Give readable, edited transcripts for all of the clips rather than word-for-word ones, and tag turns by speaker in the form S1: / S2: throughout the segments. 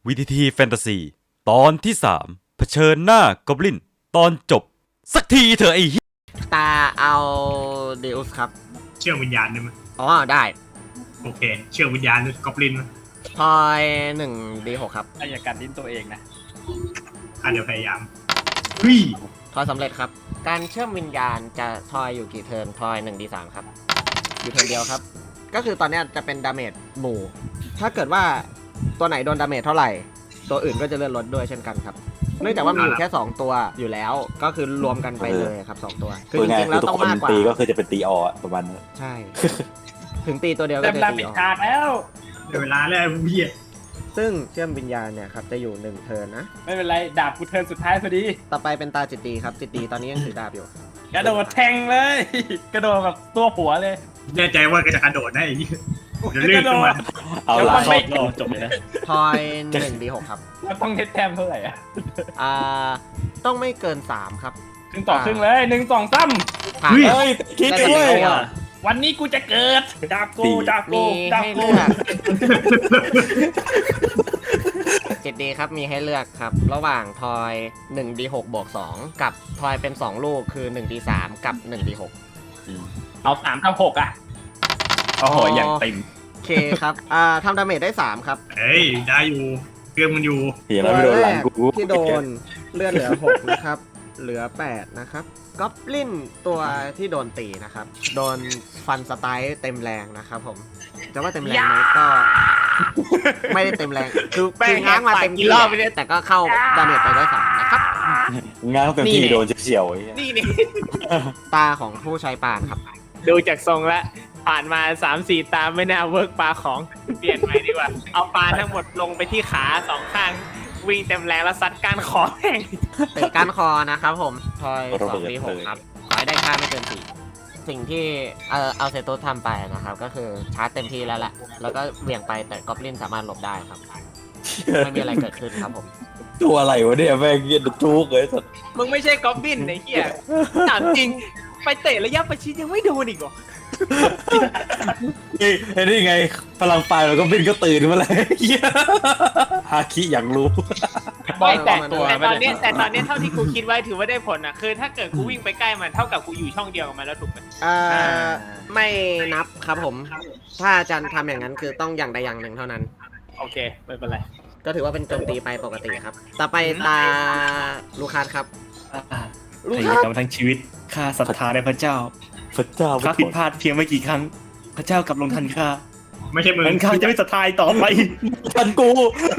S1: VTT แฟนตาซีตอนที่3เผชิญหน้ากอบลินตอนจบสักทีเถอะไอ้
S2: ตาเอาเดอุสครับ
S3: เชื่อวิญญาณได้ไหม
S2: อ๋อได้
S3: โอเคเชื่อวิญญาณกอบลินไหม
S2: ทอย1D6ครับ
S4: อย่ากัดลิ้นตัวเองนะ
S3: เดี๋ยวพยายามเฮ้ย
S2: ทอยสำเร็จครับการเชื่อมวิญญาณจะทอยอยู่กี่เทิร์นทอย1D3ครับอยู่เทิร์นเดียวครับก็คือตอนนี้จะเป็นดาเมจหมู่ถ้าเกิดว่าตัวไหนโดนดาเมจเท่าไหร่ตัวอื่นก็จะเลื่อนลดด้วยเช่นกันครับเนื่องจากว่ามีอยู่แค่2ตัวอยู่แล้วก็คือรวมกันไปเลยครับ2ตัว
S5: คือจริงๆแล้วต้องมากกว่าตีก็คือจะเป็นตีอประมาณนั้น
S2: ใช่ ถึงตีตัวเดียวก็จะตีอ
S4: ขาดแล้ว
S3: เดี๋ยวเวลาแล้วเบี้ย
S2: ซึ่งเชื่อมวิญญาณเนี่ยครับจะอยู่1เทิร์นนะ
S4: ไม่เป็นไรดาบกูเทิร์นสุดท้ายพอดี
S2: ต่อไปเป็นตาจิตตีครับจิตตีตอนนี้ยังถือดาบอยู่
S4: กระโดดแทงเลยกระโดดแบบตัวหัวเลย
S3: แน่ใจว่าก็จะกระโดดได้ไอ้ยี่เดี๋ยวลื่นขึ้นมา
S5: เอาละ
S4: ไม่จบเลยนะ
S2: ทอย1D6ครับ
S4: มันต้องเน็ตแต้มเท่าไหร่
S2: ต้องไม่เกิน3ครับ
S4: ครึ่งต่อครึ่งเลย1 2 3
S2: เฮ้
S5: ยคิดด้วย
S4: วันนี้กูจะเกิดดาบกูดาบกูดาบกู
S2: จิตดีครับมีให้เลือกครับระหว่างทอย 1D6 บวก2กับทอยเป็น2ลูกคือ 1D3 กับ 1D6
S4: เอา3 กับ 6อ่ะโอ้โหอย่างเต็ม
S2: โอเคครับทำดาเมจได้3ครับ
S3: เฮ้ยได้อยู่เครื่องมันอยู่
S2: ตัวแรกที่โดนเลือดเหลือ6นะครับเหลือ8นะครับก็ปลินตัวที่โดนตีนะครับโดนฟันสไตล์เต็มแรงนะครับผมจะว่าเต็มแรงไหมก็ไม่ได้เต็มแรงคือง้างมาเต็มที่รอบไปเลยแต่ก็เข้าดาเมจไปได้3นะครับ
S5: ง้างเต็มที่โดนเฉียว
S2: นี่ตาของผู้ใช้ปานครับ
S6: ดูจากทรงแล้วผ่านมา 3-4 ตาไม่น่าเวิร์กปลาของเปลี่ยนใหม่ดีกว่าเอาปลาทั้งหมดลงไปที่ขา2ข้างวิ่งเต็มแรงแล้วซัดก้านคอแห้ง
S2: เตะก้านคอนะครับผมทอย2D6ครับขอให้ได้ค่าไม่เกิน4สิ่งที่เอาเซโตทำไปนะครับก็คือชาร์จเต็มที่แล้วแหละแล้วก็เหวี่ยงไปแต่กอบลินสามารถหลบได้ครับไม่มีอะไรเกิดขึ้นครับผม
S5: ตัวอะไรวะเนี่ยแม่งเงี้ยทุกเลยสัตว์
S6: มึงไม่ใช่กอบลินไอ้เหี้ยถามจริงไปเตะระยะประชิดยังไม่โดนอีกเหรอ
S5: นี่ไงพลังไฟเราก็บินก็ตื่นมาเลยฮาคิอยากรู้
S6: แต่ตอนนี้เท่าที่กูคิดไว้ถือว่าได้ผลนะคือถ้าเกิดกูวิ่งไปใกล้มันเท่ากับกูอยู่ช่องเดียวกับมันแล้วถูกไหม
S2: ไม่นับครับผมถ้าจะทำอย่างนั้นคือต้องอย่างใดอย่างหนึ่งเท่านั้น
S6: โอเคไม่เป็นไร
S2: ก็ถือว่าเป็นโจมตีไปปกติครับต่อไปตาลูคัสครับ
S4: ลูคัสทั้งชีวิตข้าศรัทธาในพระเจ้าข้าผิดพลาดเพียงไม่กี่ครั้งพระเจ้ากลับลงทันข้า
S3: ไม่ใช่มึง
S4: ข้าจะไม่ศรัทธาต่อไป
S5: ทันกู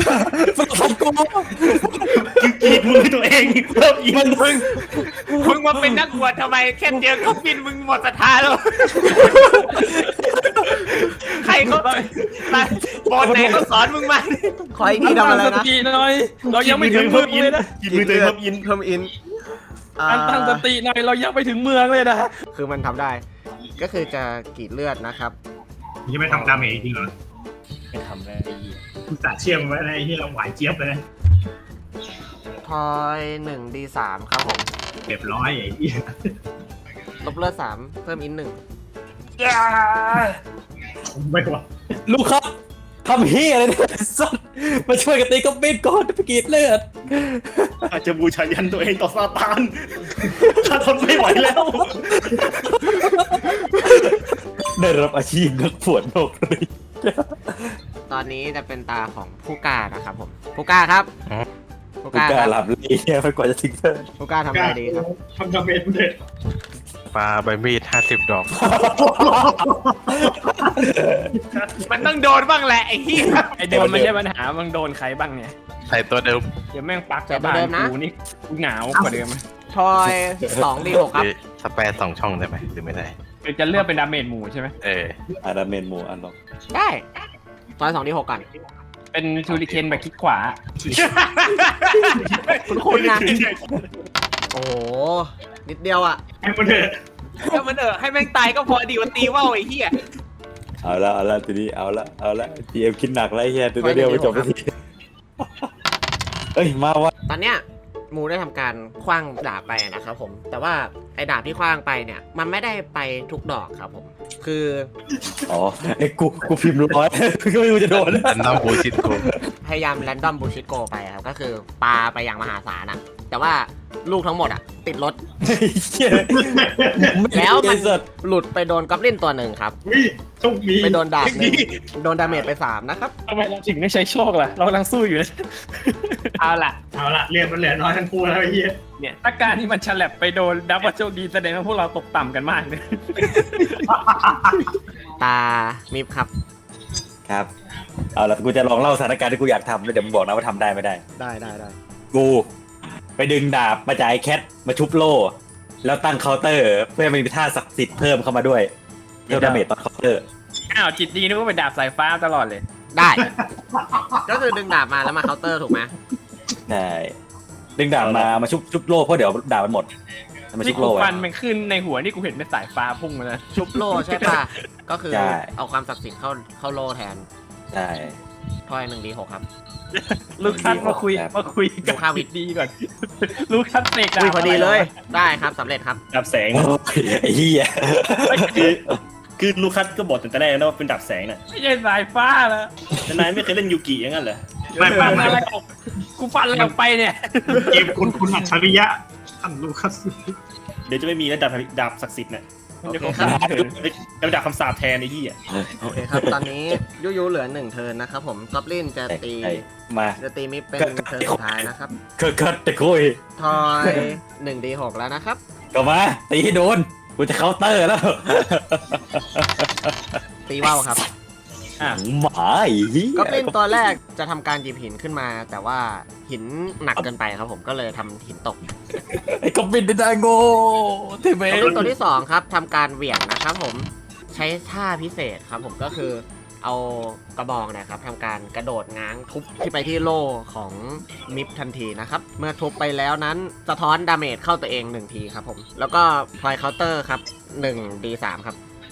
S4: กีดมือตัวเองเพิ่มอีก
S6: มึงมาเป็นนักบวชทำไมแค่เจอเขาบินมึงหมดศรัทธาแล้วใครเขาบอลไหนเขาสอนมึงมา
S2: ขออีกทีทำอะไรนะ
S4: เรายังไม่ถึงเพิ่มอินกินมือตัวเอง
S2: เพิ่มอิน
S4: ตั้งสติหน่อยเรายังไปถึงเมืองเลยนะ
S2: คือมันทำได้ก็คือจะกรีดเลือดนะครับ
S3: ยังไม่ทำดาเมจจริงเหรอ
S4: ไม่ทำเลย
S3: กูตัดเชื่อมไว้อะไรที่เราหวานเจี๊ยบเลย
S2: ทอย 1D3 ครับผม
S3: เรียบร้อยไอ้เหี้ย
S2: ลบเลือด3เพิ่มอิน1
S3: ไม่ว่า
S5: ลูกครับทำเฮียอะไรเนี่ยสัตว์มาช่วยกันตีก็บินก่อนไปกรีดเลือด
S4: อาจจะบูชายันตัวเองต่อซาตานข้าทนไม่ไหวแล้ว
S5: ได้รับอาชีพนักปวดโลกเลย
S2: ตอนนี้จะเป็นตาของผู้กล้านะครับผมผู้กล้าครับ
S5: ผู้กล้าหลับเลยเนี่ยไปกว่าจะถึงเธอ
S2: ผู้กล้าทำอะไรดีครับ
S3: ทำดาเมจเลย
S7: ปาใบมีด50 ดอก
S6: มันต้องโดนบ้างแหละไอ้เหี้ย
S4: ไอ้โดนไม่ใช่ปัญหามันโดนใครบ้างเนี่ย
S7: ใส่ตัวเดิม
S4: เดี๋ยวแม่งปักจากบ้านกูนี่หนาวกว่าเดิม
S2: ทอย2D6ครับ
S7: สเปรย์2 ช่องได้ไหมหรือไม่ได้
S4: จะเลือกเป็นดาเมจหมู่ใช่ไหม
S5: ดาเมจหมู่อันลง
S2: ได้ทอย2D6กัน
S4: เป็นชูริเคนแบบคลิกขวา
S2: คุณนะโอ้นิดเดียวอ่ะ
S3: ให้มันเถอะ
S6: ให้แม่งตายก็พอดีวันตีว่าวไอ้เหี้ย
S5: เอาละทีนี้เอาละทีเอ็มคิดหนักไรเฮียตัวเดียวไปจบทีเอ้ยมาวะ
S2: ตอนเนี้ยมูได้ทำการคว้างดาบไปนะครับผมแต่ว่าไอ้ดาบที่คว้างไปเนี่ยมันไม่ได้ไปทุกดอกครับผมคือ
S5: อ๋อไอ้กูพิมพ์ร้อย ก็ไม่รู้จะโดน
S7: อันน้ำบูชิดกู
S2: พยายามแรนดอมบูชิโกไปครับก็คือปาไปอย่างมหาศาลอะแต่ว่าลูกทั้งหมดอะติดรถ แล้วมันหลุดไปโดนกอบลินตัวหนึ่งครับ
S3: วิโชคดี
S2: ไปโดนดาบหนึ่งโดนดาเมจไป 3 นะครับ
S4: ทำไมเราถึงไม่ใช้โชคล่ะเรากำลังสู้อยู่นะ
S6: เอาล่ะ
S3: เอาละเรียนมันเหลือน้อยทั้งคู่แล้วไอ้เหี้ย
S6: เนี่ยถ้าการที่มันฉลับไปโดนดับว่าโชคดีแสดงว่าพวกเราตกต่ำกันมากเลย
S2: ตามิฟครับ
S5: ครับเอาละกูจะลองเล่าสถานการณ์ที่กูอยากทำแล้วเดี๋ยวมึงบอกนะว่าทำได้ไม่ได้
S2: ได้
S5: กูไปดึงดาบมาจากไอ้แคทมาชุบโล่แล้วตั้งเคาน์เตอร์เพื่อให้มันมีท่าศักดิ์สิทธิ์เพิ่มเข้ามาด้วยเพิ่มดาเมจตอนเคาน์เตอร์
S6: อ้าวจิตดีนึกว่าเป็นดาบสายฟ้าตลอดเลย
S2: ได้ ก็คือดึงดาบมาแล้วมาเคาน์เตอร์ถูกไหม
S5: ใช่ดึงดาบมาชุบโล่เพราะเดี๋ยวดาบมันหมดมาชุ
S6: ที่
S5: บ
S6: กู
S5: โล่ไว้
S6: ฟันมันขึ้นในหัวนี่กูเห็นเป็นสายฟ้าพุ่งมาเลย
S2: ชุบโล่ใช่ป่ะ ก็คือ
S5: ใช่
S2: เอาความศักดิ์สิทธิ์เข้าโล่แทน
S5: ใช่
S2: ทอย1D6 ครับ
S6: ลูกคัสมาคุย
S5: ครับ
S6: กับ
S2: ข้าวิ
S6: จิ
S2: ท
S6: ตดีก่อน ลูกคัสเสกดา
S2: อุ้ย
S6: บ
S2: พอดีเลย ได้ครับสำเร็จครับ
S4: ดับแสง
S5: โอ้ยไอ้เหี้ย
S4: คือลูคัสก็บอกแต่แรกนะว่าเป็นดับแสงน่ะ
S6: ไม่ใช่สายฟ้าแล้ว
S4: แต่นายไม่เคยเล่นยูกิอย่างนั้นเหรอ
S3: ไม่
S6: ฟันอะไรออกกูฟันอะไรออกไปเนี่ย
S3: เกมคุณอัจฉริยะท่านลูคัส
S4: เดี๋ยวจะไม่มีแล้วดาบศักดิ์สิทธิ์น่ะ
S2: โอ
S4: เดี๋ยว
S2: เค
S4: เขา
S2: ครับ
S4: เป็นดาบคำสาปแทนไอ้ที่อ่ะ
S2: โอเคครับ ตอนนี้ยูเหลือ1เทิร์นนะครับผมกอบลินจะตี
S5: ไอ้มา
S2: จะตีมิฟเป็นเทิร์นสุดท้ายนะครับ
S5: คัดแต่คุย
S2: ทอย 1D6 แล้วนะครับ
S5: ก็มาตีให้โดนกูจะเคาน์เตอร์แล้ว
S2: ตีว่าวครับ
S5: หมาไอ้เหี้ย
S2: กอบลินตัวแรกจะทำการหยิบหินขึ้นมา แต่ว่าหินหนักเกินไปครับผมก็เลยทำหินตก
S5: ไอ้กอบลินได้โง่ที่เม
S2: กอบลินตัวที่2ครับทำการเหวี่ยงนะครับผมใช้ท่าพิเศษครับผมก็คือเอากระบองนะครับทำการกระโดดง้างทุบที่ไปที่โล่ของมิฟทันทีนะครับเมื่อทุบไปแล้วนั้นสะท้อนดาเมจเข้าตัวเอง1ทีครับผมแล้วก็พลอยเคาน์เตอร์ครับ 1D3 ครับ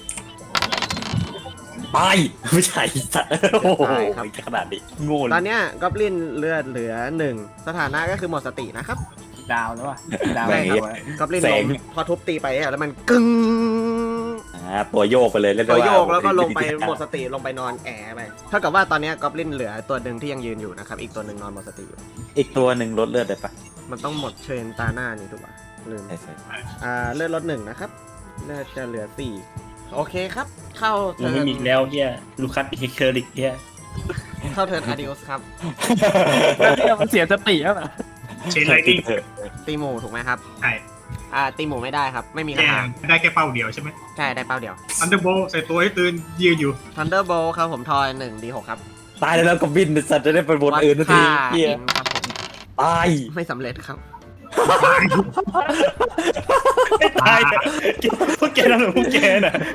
S5: ตายไม่ใช่สัตว์โอ้โห
S2: ตายครับ
S5: ขนาดนี้
S4: โง่
S2: ตอนเนี้ยกอบลินเลือดเหลือ1สถานะก็คือหมดสตินะครับ
S6: ดาวแล้วว่ะดาว
S5: แม่ง
S6: แล้ว
S2: กอบลินลงพอทุบตีไปอะแล้วมันกึ้ง
S5: ตัวโยกไปเลยเรียก
S2: ตัว
S5: ได้า
S2: โยกแล้วก็ลงไปหมดสติลงไปนอนแอะไปเท่ากับว่าตอนเนี้ยกอบลินเหลือตัวหนึ่งที่ยังยืนอยู่นะครับอีกตัวหนึ่งนอนหมดสติอยู่
S5: อีกตัวหนึ่งลดเลือดได้ปะ
S2: มันต้องหมดเชนตาหน้านี่ถูกป่ะลืม
S5: ใช่ใช่
S2: เลือดลด1นะครับเลือดจะเหลือ4โอเคครับ เข้า
S4: มัน
S2: เทิ
S4: ไม่
S2: ร์น
S4: มีอีกแล้วเฮียลูคัสเฮเคอริกเฮีย
S2: เข้าเทิร์นอาดิอุสครับ
S6: เนี่ยมันเสียสติแล้วอ่ะ
S3: เชนไลติ้ง
S2: ตีหมูถูกไหมครับ
S3: ใช่
S2: ตีหมูไม่ได้ครับไม่มี
S3: แก
S2: คำถาม
S3: ได้แค่เป้าเดียวใช่ไหม
S2: ใช่ได้เป้าเดียว
S3: อันเดอร์โบใส่ตัวให้ตื่นยืนอยู่
S2: Thunderbolt ครับผมทอย 1D6 ครับ
S5: ตายแล้วก็บินสัตว์จะได้เป็นบนอื่นนาที
S2: ค่า
S5: เฮีย
S2: อินครับผม
S5: ตาย
S2: ไม่สำเร็จครับ
S4: ตายพวกแกนั่นเหรอพวกแกน่ะ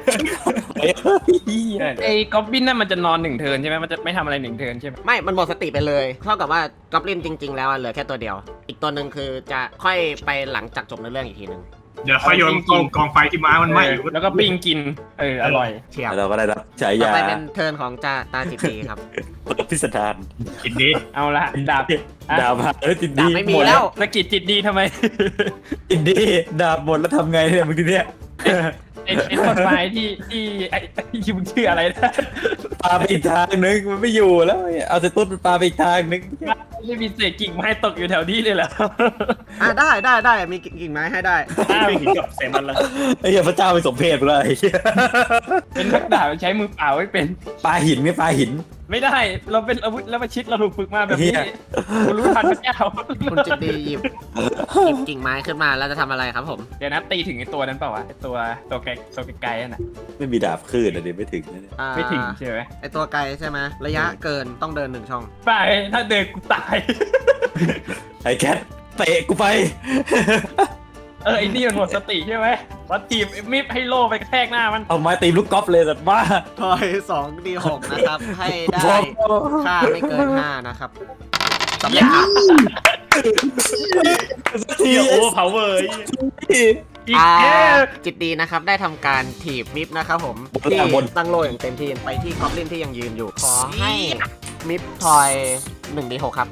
S6: ไอ้ก๊อบบินนั่นมันจะนอน1เทิร์นใช่ไหมมันจะไม่ทำอะไร1เทิร์นใช่ไหม
S2: ไม่มันหมดสติไปเลยเท่ากับว่ากอบลินจริง ๆ แล้วเหลือแค่ตัวเดียว อีกตัวหนึ่งคือจะค่อยไปหลังจากจบในเรื่องอีกทีหนึ่ง
S3: เดี๋ยวค่อยโยนกองไฟที่ม้ามันไหม้อยู่
S6: แล้วก็ปิ้งกินอร่อย
S2: เฉียบ
S5: เราก็ได้รับฉา
S2: ต่อย
S5: า
S2: ไปเป็นเทิร์นของตาจิตดีครับ
S5: พิสดาร
S3: กินดี
S6: เอาละดาบ
S5: ดาบหาแล้วจิน
S2: ดา
S5: ดี
S2: บไม่มี
S5: หด
S2: แล้ว
S6: สกิดจิตดีทำไม
S5: จินดีดาบหมดแล้วทำไงเนี่ยมึงทีเนี้ย
S6: ไอ้ต้นไม้ที่ไอ้ที่มึงชื่ออะไรนะ
S5: ปาไปอีกทางนึงมันไม่อยู่แล้วเอาแต่ต้นมันปาไปอีกทางนึง
S6: ไม่มีเศษกิ่งไม้ตกอยู่แถวนี้เลยเหรอ
S2: ได้มีกิ่งไม้ให้ได้
S4: ไม่เห็นกับแสงมันละ
S5: ไอ้เหี้ยพระเจ้าไปสมเพศกูเลยไอ้เหี้ย
S6: เป็นนักดาบใช้มือเปล่าไม่เป็น
S5: ปาหินไม่ปาหิน
S6: ไม่ได้เราเป็นอาวุธแล้วมาชิดเราถูกฝึกมาแบบนี้
S5: เหี้ย
S6: กูรู้ทันพระเจ้า
S2: คุณจิตดีหยิบกิ่งไม้ขึ้นมาแล้วจะทำอะไรครับผม
S6: เดี๋ยวนะตีถึงไอ้ตัวนั้นเปล่าวะไอ้ตัวไกลๆนั่นน่ะ
S5: ไม่มีดาบคลื่นอ่ะดิไม่ถึงนะเนี่ย
S6: ไม่ถึงใช่ไหม
S2: ไอตัวไกลใช่ไหมระยะเกินต้องเดิน1ช่อง
S6: ไปถ้าเดินกูตาย
S5: ไอ้แคทเตะกูไป
S6: ไอ้นี่มันหมดสติใช่ไหมวัดทีมมิฟให้โล่ไปกระแทกหน้ามัน
S5: เอาไม้ตีลูกกอล์ฟเลยสัตว์บ้า
S2: ทอย 2D6 นะครับ ให้ได้ค่าไม่เกิน5นะครับสำเร็จครับ
S5: ที
S4: เฮียโอ้พาวเวอร์
S6: อีกแค่
S2: จิตดีนะครับได้ทำการถีบมิฟนะครับผมที่ตั้งโล่อย่างเต็มที่ไปที่กอบลินที่ยังยืนอยู่ ขอให้มิฟทอย 1D6 ครับ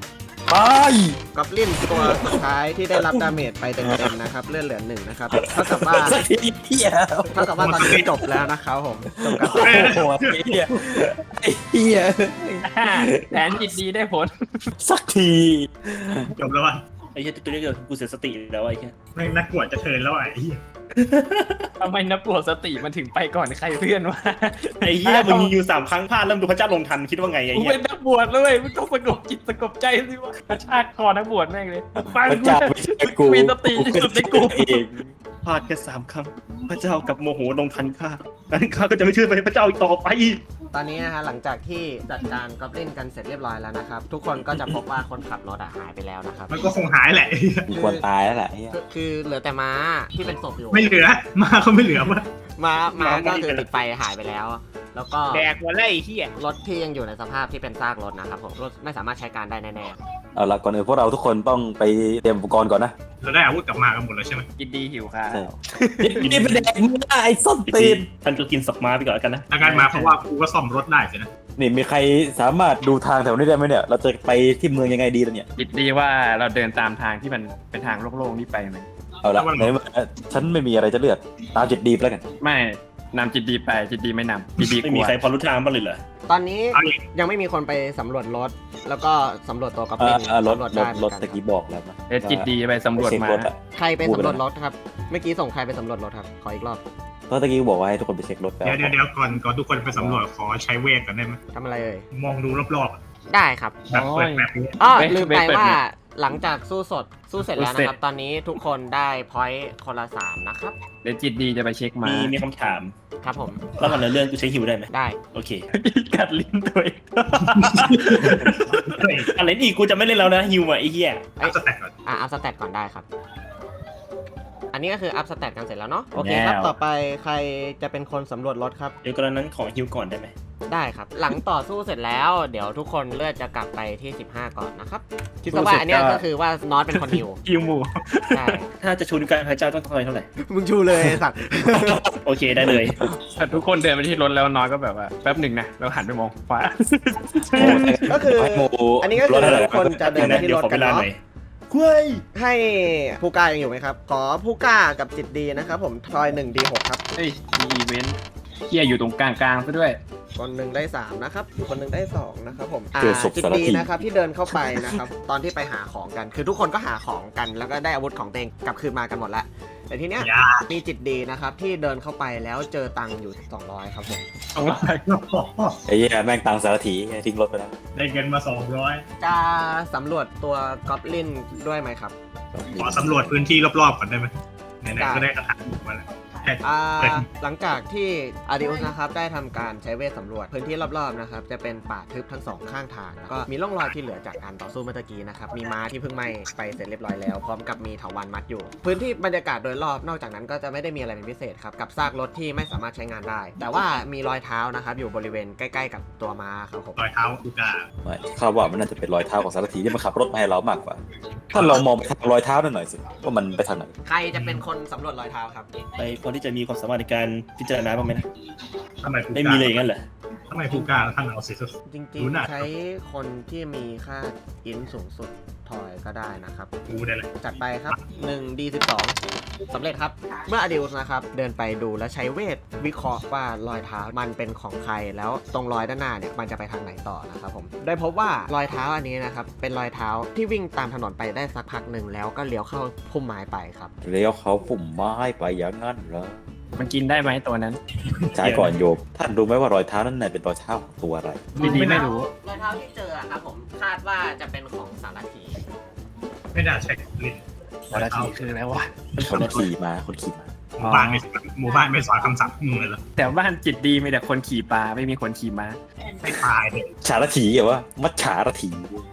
S5: ไป
S2: กอบลินตัวสุดท้ายที่ได้รับดาเมจไปเต็มๆนะครับเลือดเหลือ1นะครับเท่ากับว่า
S5: สักทีเฮีย
S2: ตอนนี้จบแล้วนะครับผมจบการ
S5: โอ้โหไอ้เฮียไอ้เฮีย
S6: แผนจิตดีได้ผล
S5: สักที
S3: จบแล้ววะ
S4: ไอ้เหี้ยตัวนี้เกิดกูเสียสติแล้วไอ้เหี้ย
S3: แม่งนักกวดจะเทิร์นแล้วไอ้เหี้ย
S6: ทำไมนับปวดสติมันถึงไปก่อนใครเพื่อนวะ
S4: ไอ้เหี้ยมึงยิงอยู่3 ครั้งพลาดเริ่มดูพระเจ้าลงทันคิดว่าไงไอ้
S6: กู
S4: เหี้ย
S6: เป็นนักบวชเลยมึงต้องสงบจิตสงบใจสิวะกระชากคอนักบวชแม่งเลยฟัง
S5: พระ
S6: กู
S5: เจ้า
S6: นะ
S5: ไม่ใช่กู
S6: มีสติที่สุดในกู
S5: เอง
S4: พลาดแค่3 ครั้งพระเจ้ากับโมโหลงทันข้างั้นข้าก็จะไม่เชื่อพระเจ้าอีกต่อไป
S2: ตอนนี้นะฮะหลังจากที่จัดการกอบลินกันเสร็จเรียบร้อยแล้วนะครับทุกคนก็จะพบว่าคนขับรถหายไปแล้วนะครับ
S3: มันก็คงหายแหละ
S5: มีคนตายแล้วแหละไอ้เหี้ย
S2: คือเหลือแต่ม้าที่เป็นศพอยู่
S3: ไม่เหลือมาเขาไม่เหลือวะ
S2: ม้าก็คือติดไฟหายไปแล้ว แล้วก็
S6: แดกหัวไล่เหี้ย
S2: รถที่ยังอยู่ในสภาพที่เป็นซากรถนะครับผมรถไม่สามารถใช้การได้แน่
S5: เอาละก่อนอื่นพวกเราทุกคนต้องไปเตรียมอุปกรณ์ก่อนนะ
S3: เราได้อาวุธกลับมากันหมดแล้วใช่ไหม
S6: กินดีหิวค่ะ
S5: ใช่นี่เป็นแดกมึงนะไอ้ส้นตีน
S4: ท่านก็กินสักม้าไปก่อนแล้วกันนะ
S3: อาการมาเพราะว่ากูก็ซ่อมรถได้สินะ
S5: นี่มีใครสามารถดูทางแถวนี้ได้ไหมเนี่ย เราจะไปที่เมืองยังไงดีล่ะเนี่ย
S6: คิดดีว่าเราเดินตามทางที่มันเป็นทางโล่งๆนี่ไปไหม
S5: เอาละในเมื่อฉันไม่มีอะไรจะเลือกตามจิตดีไปแล้วกัน
S6: ไม่นำจิตดีไปจิตดีไม่นำจิตดี
S4: ไม่
S6: กลั
S4: มี
S6: ว
S4: ใครพอรู้ทางบ้างเลยเหรอ
S2: ๆ ตอนนี้
S3: เอาอีก
S2: ยังไม่มีคนไปสำรวจรถ แล้วก็สำรวจตัวกอบลิน
S5: รถ
S2: สำวจ
S5: ร
S2: ได้
S5: ถ
S2: เหมื
S5: ร
S2: อน
S5: ถ
S2: กัน
S5: ตะกี้บอกแล้วนะ
S6: เดี๋ยวจิตดีไปสำรวจ
S5: เช็ค
S6: มาร
S5: ถอะ
S2: ใครไปสำรวจรถครับเมื่อกี้ส่งใครไปสำรวจรถครับขออีกรอบ
S5: เพราะตะกี้บอกว่าให้ทุกคนไปเช็ครถแล้ว
S3: เดี๋ยวก่อนทุกคนไปสำรวจขอใช้เวทก่อนได้ไหม
S2: ทำอะไรเอ่ย
S3: มองดูรอบๆอะ
S2: ได้ครับ
S3: แบบเปิดแบบนี้
S2: อ้อลืมไปว่าหลังจากสู้เสร็จแล้วนะครับ ตอนนี้ทุกคนได้พอยต์คนละ3นะครับ
S6: เดี๋ยวจิตดีจะไปเช็คมา
S4: มีคำถาม
S2: ครับผม
S4: แล้วก่อนเรื่องกูใช้ฮิวได้ไหม
S2: ได้
S4: โอเค
S6: กัดลิ้นตัวเอง
S3: เฮ้ย
S4: อะไรอีกกูจะไม่เล่นแล้วนะฮิวอ่ะไอ้เหี้ย
S3: อัพสแต็กก่อน
S2: อัพสแตทก่อนได้ครับ อันนี้ก็คืออัพสแตทกันเสร็จแล้วเนาะโอเคครับต่อไปใครจะเป็นคนสำรวจรถครับ
S4: เดี๋ยวกรณีนั้นขอฮิวก่อนได้ไหม
S2: ได้ครับ หลังต่อสู้เสร็จแล้ว เดี๋ยวทุกคนเลือดจะกลับไปที่15ก่อนนะครับคิดซะว่าอันเนี้ยก็คือว่านอตเป็นคนหิว
S6: คิวหมู
S2: ใช่
S4: ถ้าจะชูนิ้วกลางพระเจ้าต้องเท่าไหร่
S2: มึงชูเลยไอ้สัตว์
S4: โอเคได้เลย
S6: แต่ทุกคนเดินไปที่รถแล้วน้อยก็แบบว่าแป๊บหนึ่งนะเราหันไปมองขวา
S2: ก็คือ
S5: โม
S2: อันนี้ก็คือทุกคนจะเดินไปที่
S4: เดี๋ย
S2: ร
S4: ว
S2: ถ
S4: ขอ
S2: กั
S4: เวน ลา
S2: เนาะ
S4: หน่อย
S2: ให้ผู้กล้ายังอยู่ไหมครับ ขอผู้กล้ากับจิตดีนะครับผมทอย1 D6 ครับ
S6: เฮ้ยมีอีเวนต์เฮียอยู่ตรงกลางๆซะด้วย
S2: คนหนึ่งได้3นะครับคนหนึ่งได้2นะครับผม
S5: เจอศพ
S2: จิต
S5: สาร
S2: ดี
S5: ที
S2: นะครับที่เดินเข้าไปนะครับ ตอนที่ไปหาของกัน คือทุกคนก็หาของกันแล้วก็ได้อาวุธของตัวเองกลับคืนมากันหมดแล้วแต่ทีเนี้ย
S3: อย่า
S2: มีจิตดีนะครับที่เดินเข้าไปแล้วเจอตังค์อยู่200ครับผม
S5: ไอ้เหี้ยแม่งตังสารถีทิ้งรถไปแล้ว
S3: ได้เงินมา200
S2: จะสำรวจตัวกอบลินด้วยไหมครับ
S3: ขอสำรวจพื้นที่รอบๆก่อนได้ไหมไหนๆก็ได้กระถางมาแล้ว
S2: หลังจากที่อาริอุสนะครับได้ทำการใช้เวทสำรวจพื้นที่รอบๆนะครับจะเป็นป่าทึบทั้ง2ข้างทางแล้วก็มีร่องรอยที่เหลือจากการต่อสู้เมื่อตะกี้นะครับมีม้าที่เพิ่งไหม้ไปเสร็จเรียบร้อยแล้วพร้อมกับมีเถาวัลย์มัดอยู่ พื้นที่บรรยากาศโดยรอบนอกจากนั้นก็จะไม่ได้มีอะไรเป็นพิเศษครับกับซากรถที่ไม่สามารถใช้งานได้ แต่ว่ามีรอยเท้านะครับอยู่บริเวณใกล้ๆกับตัวม้าครับผม
S3: รอยเท้ากูกา
S5: ไม่ข้าว่ามันน่าจะเป็นรอยเท้าของสารถีที่มันขับรถมาให้เรามากกว่า ถ้าลองมองไปทางรอยเท้านั่นหน่อยสิว่ามันไปทางไหน
S2: ใครจะเป็นคนสำรวจรอยเท้าครับ
S4: ไปพอที่จะมีความสามารถในการพิจารณาบ้างไหมนะ
S3: ทำไมกู
S4: ไม่
S3: กา
S4: มีเลยอย่างนั้นเหรอ
S3: ทำไมกูกาท่านเอาสิสุด
S2: จริง
S3: รู้หนัก
S2: ๆ ใช้คนที่มีค่าอินสูงสุดทอยก็ได้นะครับ
S3: กูได้เลย
S2: จัดไปครับ1 D12 สำเร็จครับ เมื่ออดิวส์นะครับ เดินไปดูและใช้เวทวิเคราะห์ว่ารอยเท้ามันเป็นของใครแล้วตรงรอยด้านหน้าเนี่ยมันจะไปทางไหนต่อนะครับผมได้พบว่ารอยเท้าอันนี้นะครับเป็นรอยเท้าที่วิ่งตามถนนไปได้สักพักหนึ่งแล้วก็เลี้ยวเข้าพุ่มไม้ไปครับ
S5: เลี้ยวเขาปุ่มไม้ไปอย่างนั้นเหรอ
S6: มันกินได้ไหมตัวนั้น
S5: ใช่ก่อนโยมท่านรู้ไหมว่ารอยเท้านั้นน่ะเป็นรอยเท้าของตัวอะไร
S6: ดีๆไม่รู้
S2: รอยเท้าที่เจอครับผมคาดว่าจะเป็นของสารถี
S3: ไม่น่าใช่ลิ้น
S6: วันละทีคืออะไรวะ
S5: คนขี่มาคนขี่มา
S3: หมู่บ้านไม่สอนคำสั่งมึงเลยเหรอ
S6: แต่บ้านจิตดีมีแต่คนขี่ปลาไม่มีคนขี่ม้า
S3: ไม่ตายเลย
S5: ฉารถีเหรอวะมัดฉารถี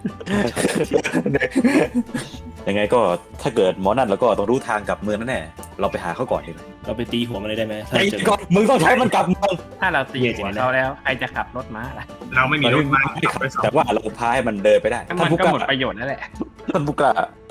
S5: ยังไงก็ถ้าเกิดหมอนั่นแล้วก็ต้องรู้ทางกลับเมืองแน่ๆเราไปหาเขาก่อนดีไหม
S4: เราไปตีหัวมันเลยได้ไหมถ้า
S5: ไอ้
S4: เจอ
S5: ก่อนมึงต้องใช้มันกลับเมือง
S6: ถ้าเราตีหัวเขาแล้วใครจะขับรถม้าล่ะ
S3: เราไม่มีรถมา
S5: แต่ว่าเราพาให้มันเดินไปได้
S6: ก็
S5: ท่า
S6: มัน น
S5: ผู้
S6: ก็
S5: กล้า
S6: หมดประโยชน์นั่นแหละ
S5: ท่านผู้กล้า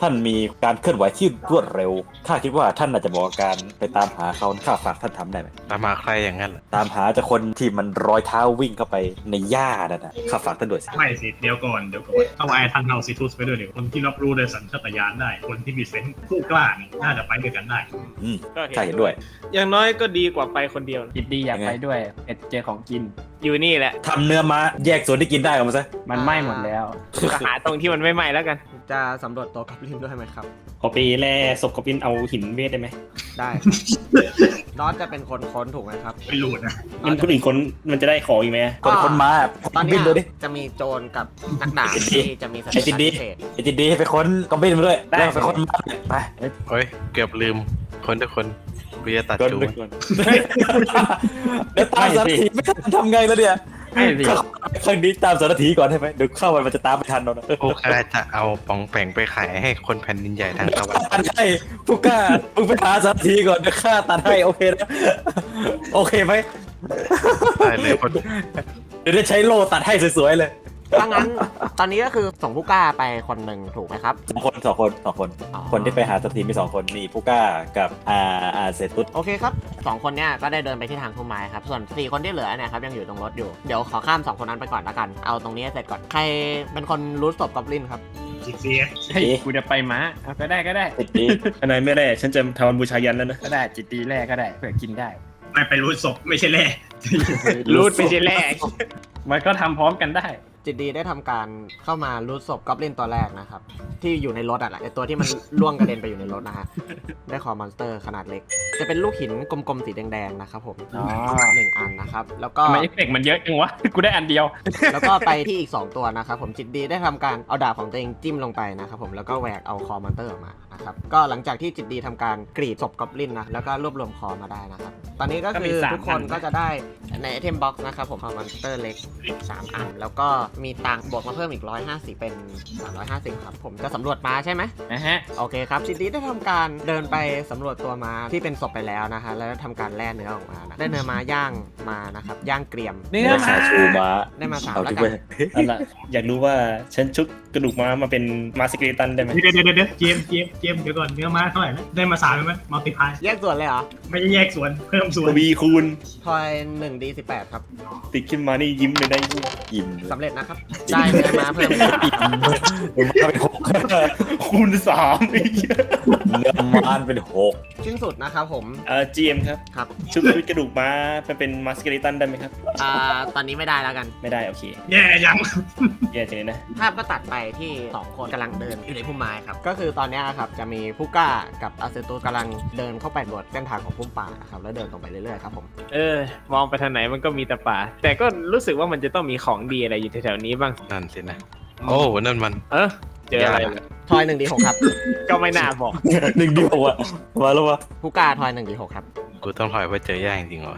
S5: ท่านมีการเคลื่อนไหวที่รวดเร็วข้าคิดว่าท่านอาจจะบอกการไปตามหาเขาข้าฝากท่านทำได้ไหม
S7: ตามมาใครอย่างนั้นเหรอ
S5: ตามหาจากคนที่มันรอยเท้าวิ่งเข้าไปในหญ้านั่นนะข้าฝากท่านด้วยสิ
S3: ไม่สิเดี๋ยวก่อนเอาไอ้ทันเฮาซิทุสไปด้วยเดี๋ยวคนที่รับรู้โดยสัญชาตญาณได้คนที่มีเซนส์ผู้กล้านี่น่าจะไปด้วยกันได้
S5: ข้าเห็นด้วย
S6: อย่างน้อยก็ดีกว่าไปคนเดียว
S4: จิตดีอยากไปด้วยเจอของกิน
S6: อยู่นี่แหละ
S5: ทำเนื้อม้าแยกส่วนที่กินได้ออกมาซะ
S4: มันไหม้หมดแล้ว
S6: ก็หาตรงที่มันไม่ไหม้แล้วกัน
S2: จะสำรวจตัวกอบลินด้วยไหมครับ
S4: ขอไปแล่ศพกบลินเอาหินเวทได้ไหม
S2: ได้ครับนอตจะเป็นคนค้นถูกไหมครับ
S3: ไม่รู้นะ
S4: มันคนอื่นคนมันจะได้ของอีกไหม
S5: คนม้า
S2: ตอน
S5: บิ
S2: เนี้
S5: น
S2: ย
S5: ดูดิ
S2: จะมีโจรกับนักดาบที่จะมีส
S5: ไอ้
S2: ถิ
S5: จิ
S2: ติ
S5: ตดี
S2: พิเศษ
S5: ไอ้จิตดีไปค้นกอมบินมาด้วยแล้วไปค้นม้าไป
S7: โอ้ยเกือบลืมคนทุกคนเบียร์ตัด
S5: โดน
S7: จู
S5: ไปก่อนเดี๋ยวตามสารถีไม่ทันทำไงแล้วเนี่ย
S4: ไม่สิ
S5: ครั้งนี้ตามสารถีก่อนได้ไหมเดี๋ยวเข้าไปมันจะตามไม่ทันเรานะ
S7: พวกข้าจะเอาปองแปงไปขายให้คนแผ่นดินใหญ่ทางตะวันต
S5: ตั
S7: ก
S5: ดให้ผู้กล้ามึงไปหาสารถีก่อนเดี๋ยวข้าตัดให้โอเคนะโอเคไหม
S7: ได้เลยคน
S5: เดี๋ยวได้ใช้โล่ตัดให้สวยๆเลย
S2: ถ้างั้นตอนนี้ก็คือส่งผู้กล้าไปคนหนึ่งถูกไหมครับ
S5: สองคนคนที่ไปหาสารถีมี2 คนนี่ผู้กล้ากับเซตุส
S2: โอเคครับ2 คนเนี้ยก็ได้เดินไปที่ทางพุ่มไม้ครับส่วน4 คนที่เหลือเนี่ยครับยังอยู่ตรงรถอยู่เดี๋ยวขอข้าม2 คนนั้นไปก่อนละกันเอาตรงนี้ให้เสร็จก่อนใครเป็นคนรู้ศพกอบลินครับ
S3: จิตเสีย
S4: เฮ้ยกูจะไปม้าเอาก็ได้ก็ได้
S5: จิตดี
S4: อันไหนไม่แล่ฉันจะทำบูชายันแล้วนะก็ได้จิตดีแล่ก็ได้เผื่อกินได้
S3: ไม่ไปรู้ศพไม่ใช่แร่
S6: รูดไปทีแรก
S4: มันก็ทำพร้อมกันได้
S2: จิตดีได้ทำการเข้ามารูดศพกอบลินตัวแรกนะครับที่อยู่ในรถอ่ะแหละไอตัวที่มัน ล่วงกระเด็นไปอยู่ในรถนะฮะได้คอมอนสเตอร์ขนาดเล็ก จะเป็นลูกหินกลมๆสีแดงๆนะครับผม
S4: อ๋อ
S2: 1 อันนะครับแล้วก็
S4: ทำไมเอฟเฟกต์มันเยอะจังวะ กูได้อันเดียว
S2: แล้วก็ไปที่อีก 2 ตัวนะครับผมจิตดีได้ทำการเอาดาบของตัวเองจิ้มลงไปนะครับผมแล้วก็แหวกเอาคอมอนสเตอร์ออกมานะครับก็หลังจากที่จิตดีทำการกรีดศพกอบลินนะแล้วก็รวบรวมคอมาได้นะครับตอนนี้ก็
S4: ก็มี
S2: คือ
S4: 3
S2: ทุกคน
S4: อัน
S2: ก็จะได้ในไอเทมบ็อกซ์นะครับผมคอมอนสเตอร์เล็ก3 อัน แล้วก็มีตังค์บวกมาเพิ่มอีก150เป็น350ครับผมจะสำรวจม้าใช่ไหม
S4: นะฮะ
S2: โอเคครับจิตดีได้ทำการเดินไปสำรวจตัวม้าที่เป็นศพไปแล้วนะฮะแล้วทำการแล่เนื้อออกมานะได้เนื้อม้าย่างมานะครับย่างเกรียม
S4: เนื้อม้า
S5: ชูม้า
S2: ได้มา3
S5: เอา
S2: แล้ว
S5: ที่
S2: กั
S5: ไป
S2: น
S4: อันละอยากรู้ว่าฉันชุบกระดูกม้ามาเป็นมาสเกเลตันได้ไหม
S3: เดี๋ยวเจมส์เดี๋ยวก่อนเนื้อม้าเท่าไหร่นะได้มา3ไหมมัลติพาย
S2: แยกส่วนเลยเหรอ
S3: ไม่ใช่แยกส่วนเพิ่มส่วน
S4: ทวีคูณ
S2: ทอย 1d18 ครับ
S4: ติดขึ้นมานี่ยิ้มเลยได้
S5: อิ่ม
S2: สำเร็จนะครับ ได้เนื้อม้าเพิ่ม
S5: ม้าเป็น6
S4: คูณ3ไอ้เหี้ย
S5: เนื้อม้าเป็น6
S2: ชิ้นสุดนะครับผม
S4: GM ครับ
S2: ครับ
S4: ชุบกระดูกม้าเป็นมาสเกเลตันได้ไหมครับ
S2: ตอนนี้ไม่ได้แล้วกัน
S4: ไม่ได้โอเค
S3: แย่ยัง
S4: แย่จังเลยนะ
S2: ภาพก็ตัดไปที่ 2 คนกำลังเดินอยู่ในพุ่มไม้ครับ ก็คือตอนเนี้ยครับจะมีผู้กล้ากับอาเซตุสกำลังเดินเข้าไปบนเส้นทางของพุ่มป่านะครับแล้วเดินตรงไปเรื่อยๆครับผม
S6: มองไปทางไหนมันก็มีแต่ป่า แต่ก็รู้สึกว่ามันจะต้องมีของดีอะไรอยู่แถวๆนี้บ้าง
S7: นั่นสินะ โอ้นั่นมัน
S6: เจออะไรเหรอ
S2: ทอย 1d6 ครับ
S6: ก็ไม่น่าบอก
S5: 1 เดียวอ่ะมาแล้ววะ
S2: ผู้กล้าทอย 1d6 ครับ
S7: กูต้องถอยเพราะเจอย่างจริงๆเหรอ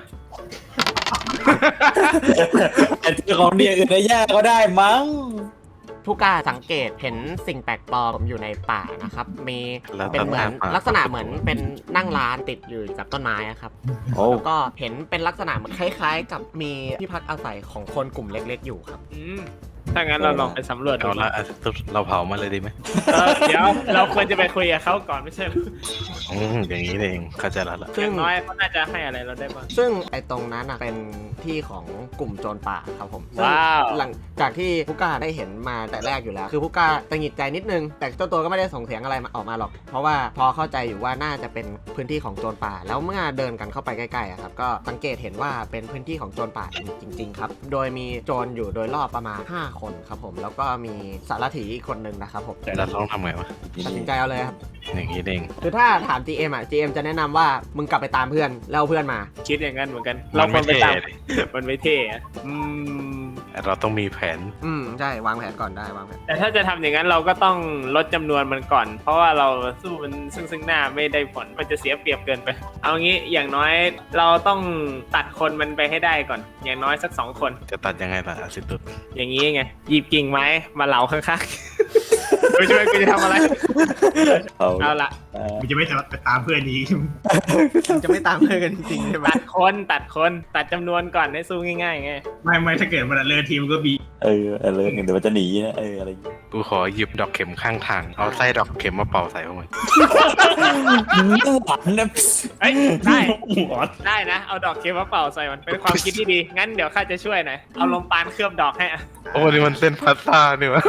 S5: แต่เจอของดีอื่นในหญ้าก็ได้มั้ง
S2: ผู้กล้าสังเกตเห็นสิ่งแปลกปลอมอยู่ในป่านะครับมี
S7: แล้ว
S2: เป็นเหมือน
S7: ป่า
S2: ลักษณะเหมือนเป็นนั่งร้านติดอยู่กับต้นไม้อะครับ
S5: โอ้
S2: แล้วก็เห็นเป็นลักษณะเหมือนคล้ายๆ กับมีที่พักอาศัยของคนกลุ่มเล็กๆอยู่ครับ
S6: ถ้างั้นเราลองไปสำรวจดู
S7: เอาละเราเผามันเลยดีไหม
S6: เดี๋ยวเราควรจะไปคุยกับเขาก่อนไม่ใช่เหรอ
S7: อย่างนี้เองเข้าใจแล้วล่ะ
S6: อย่างน้อยเขาน่าจะให้อะไรเราได้บ้าง
S2: ซึ่งไอ้ตรงนั้นน่ะเป็นที่ของกลุ่มโจรป่าครับผมซึ่ง
S6: ว้าว
S2: หลังจากที่ผู้กล้าได้เห็นมาแต่แรกอยู่แล้ว คือผู้กล้าตังหงิดใจนิดนึง แต่เจ้าตัวก็ไม่ได้ส่งเสียงอะไรมาออกมาหรอก เพราะว่าพอเข้าใจอยู่ว่าน่าจะเป็นพื้นที่ของโจรป่า แล้วเมื่อเดินกันเข้าไปใกล้ๆอะครับก็สังเกตเห็นว่าเป็นพื้นที่ของโจรป่าจริงๆครับโดยมีโจรอยู่โดยรอบประมาณ5 คนครับผมแล้วก็มีสารถีอีกคนนึงนะครับผม
S7: เราต้องทำไงวะ
S2: ตัดสินใจเอาเลยครับ
S7: อย่างนี้เอง
S2: คือถ้าถาม GM อ่ะ GM จะแนะนำว่ามึงกลับไปตามเพื่อนแล้วเอาเพื่อนมา
S6: คิดอย่างนั้นเหมือนกัน
S7: มั
S6: เรา
S7: น
S6: คว
S7: ไม่
S6: รไป
S7: เท่
S6: ตาม
S7: เลย
S6: มันไม่เท่อะ
S7: เราต้องมีแผน
S2: ใช่วางแผนก่อนได้วางแผน
S6: แต่ถ้าจะทำอย่างนั้นเราก็ต้องลดจำนวนมันก่อน เพราะว่าเราสู้มันซึ่งหน้าไม่ได้ผลมันจะเสียเปรียบเกินไป เอางี้อย่างน้อยเราต้องตัดคนมันไปให้ได้ก่อน อย่างน้อยสัก2 คน
S7: จะตัดยังไงล่ะอาซิตุส
S6: อย่างนี้ไงหยิบกิ่งไม้มาเหลาข้างๆ ไม่ใช่กูจะทำอะไร เอาละ
S3: มันจะไม่จะไปตามเพื่อนนี้
S2: มันจะไม่ตามเพื่อนกันจริงๆใช่ไหม
S6: ตัดจำนวนก่อนให้สู้ง่ายๆไง
S3: ไม่ถ้าเกิดมันเลยทีมก็บี
S5: เลยเดี๋ยวมันจะหนีนะอะไรอย่างเงี้ย
S7: กูขอหยิบดอกเข็มข้างทาง เอาไส้ดอกเข็มมาเป่าใส่พวกมัน
S5: หวานนะ
S6: เฮ้ยได้
S4: หัว
S6: ได้นะเอาดอกเคมาเป่าใส่มันเป็นความคิดที่ดีงั้นเดี๋ยวข้าจะช่วยหน่อยเอาลมปานเคลือบดอกให้อะ
S7: โอ้นี่มันเส้นพาสต้าเนี่ยวะ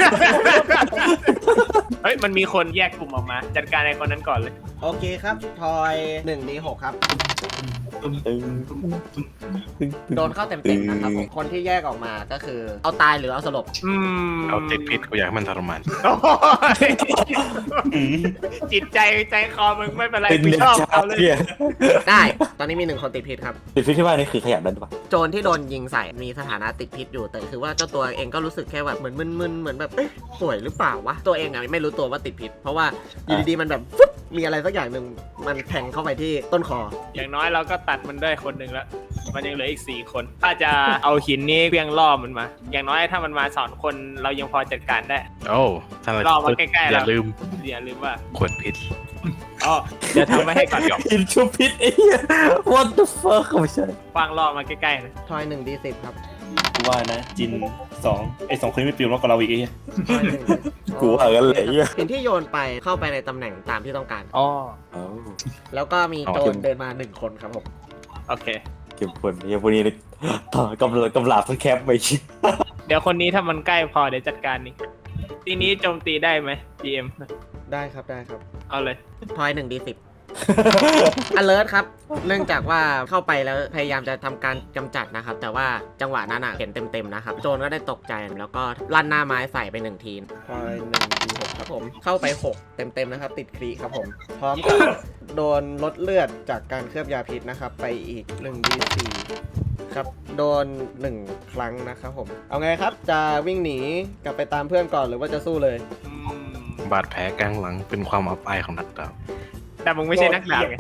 S6: เฮ้ยมันมีคนแยกกลุ่มออกมา จัดการไอ้คนนั้นก่อนเลย
S2: โอเคครับ ทอย 1d6 ครับ โดนเข้าเต็มๆนะครับผมคนที่แยกออกมาก็คือ เอาตายหรือเอาสลบ
S7: เอาติดพิษกูอยากให้มันทรมาน
S6: โอ้ยจิตใจคอมึงไม่เป็นไร
S5: เป็น
S6: กู
S5: เด็ก
S6: ชอบ
S5: ชา
S6: เขาเลย
S5: เนี่ย
S2: ได้ ตอนนี้มี 1 คนติดพิษครับ
S5: ติดพิษที่ว่านี่คือขยันดันปะ
S2: โจรที่โดนยิงใส่มีสถานะติดพิษอยู่แต่คือว่าเจ้าตัวเองก็รู้สึกแค่แบบเหมือนมึนๆเหมือนแบบเอ๊ะป่วยหรือเปล่าวะตัวเองอะไม่รู้ตัวว่าติดพิษเพราะว่าอยู่ดีๆมันแบบฟึ๊บมีอะไรสักอย่างหนึ่งมันแทงเข้าไปที่ต้นคอ
S6: อย่างน้อยเราก็ตัดมันได้คนหนึ่งแล้วมันยังเหลืออีก4 คนถ้าจะเอาหินนี้เพียงล่อมันมา อย่างน้อยถ้ามันมา2 คนเรายังพอจัดการได้
S7: โอ้ถ้าเรา
S6: รอมาใกล้ๆ
S7: อย่า
S6: แล้ว
S7: ลืม
S6: อย่าลืมว่า
S7: ขวดพิษ
S6: อ๋อเดี๋ยวทำไว้ให้ก่อน
S5: กินชุบพิษไอ้เหี้ย what the fuck ไม่ใช่
S6: วางล่อมาใกล้ๆนะ
S2: ทอย 1d10 ครับ
S4: กูว่านะจิน2ไอ้2คนนี้ไม่ปิวมากกว่าเราอีกไอ้เหี้ย
S2: ทอยหนึ่ง
S5: กูว่ากันเลยไอ้เหี้ย
S2: หินที่โยนไปเข้าไปในตำแหน่งตามที่ต้องการ
S6: อ๋อ
S5: เอ้า
S2: แล้วก็มีโจ
S5: เอา
S2: รเดินมา1 คนครับผม
S6: โอเค
S5: เก็บผลเฮียพวกนี้นี่ต่อกำลาบทั้งแคปไปชิ
S6: เดี๋ยวคนนี้ถ้ามันใกล้พอเดี๋ยวจัดการนี่ทีนี้โจมตีได้ไหม GM
S2: ได้ครับได้ครับ
S6: เอาเลย
S2: ทอย 1d10 alert ครับ เนื่องจากว่าเข้าไปแล้วพยายามจะทำการกำจัดนะครับ แต่ว่าจังหวะนั้นเห็นเต็มๆนะครับ โจรก็ได้ตกใจแล้วก็ลั่นหน้าไม้ใส่ไป1 ทีทอย 1d6 ครับผม เข้าไป 6 เต็มๆนะครับ ติดครีครับผม พร้อมกับโดนลดเลือดจากการเคลือบยาพิษนะครับ ไปอีก 1d4 ครับ โดน 1 ครั้งนะครับผม เอาไงครับ จะวิ่งหนีกลับไปตามเพื่อนก่อนหรือว่าจะสู้เลย
S7: บาดแผลกลางหลังเป็นความอับอายของนักดาบ
S6: แต่มึงไม่ใช่นักดาบไง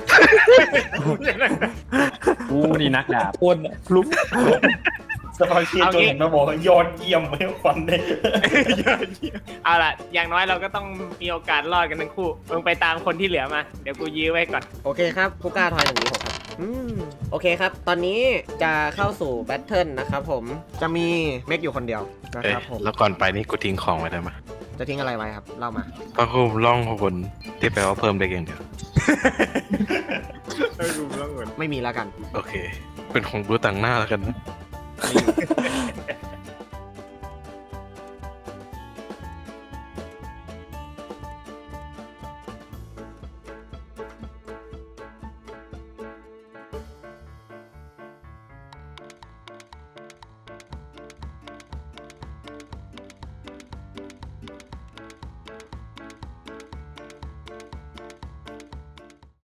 S4: กูนี่นักดาบ
S5: อ้นฟลุก
S4: สปอยเชียร์จนเห็นมาบอกว่ายอดเยี่ยมไม่ควันเลย
S6: เอาล่ะ อย่างน้อยเราก็ต้องมีโอกาสรอดกันทั้งคู่ มึงไปตามคนที่เหลือมา เดี๋ยวกูยื้อไว้ก่อน
S2: โอเคครับผู้กล้าทอย1d6ครับโอเคครับ ตอนนี้จะเข้าสู่แบทเทิลนะครับผม จะมีเมกอยู่คนเดียวนะ
S7: เอ้
S2: ค
S7: ย
S2: รับผม
S7: แล้วก่อนไปนี่กูทิ้งของไว้ได้ไหม
S2: จะทิ้งอะไรไว้ครับ เล่ามา
S7: พระคุมล่องพบนที่แปลว่าเพิ่มได้อย่างเดียว
S2: ไม่มีแล้วกัน
S7: โอเค เป็นของบูต่างหน้าแล้วกันนะ